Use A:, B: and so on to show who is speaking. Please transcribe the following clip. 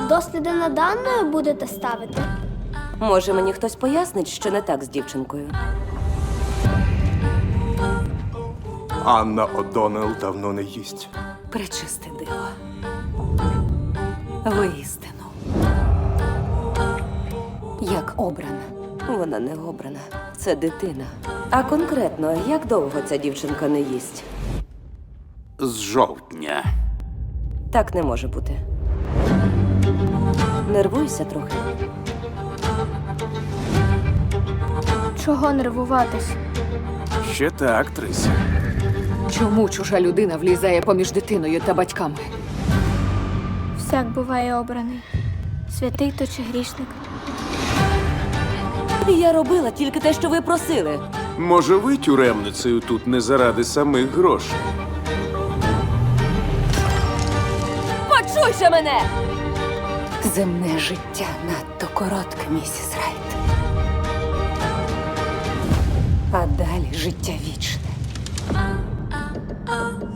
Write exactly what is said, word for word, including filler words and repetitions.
A: Досліди над Анною будете ставити?
B: Може, мені хтось пояснить, що не так з дівчинкою?
C: Анна О'Доннелл давно не їсть.
B: Пречисте диво. Воістину. Як обрана. Вона не обрана. Це дитина. А конкретно, як довго ця дівчинка не їсть?
C: З жовтня.
B: Так не може бути. Нервуйся трохи.
A: Чого нервуватись?
C: Ще та актриса.
D: Чому чужа людина влізає поміж дитиною та батьками?
A: Всяк буває обраний. Святий то чи грішник.
B: Я робила тільки те, що ви просили.
C: Може, ви тюремницею тут не заради самих грошей?
B: Почуй же мене!
D: Земне життя надто коротке, місіс Райт.
B: А далі життя вічне.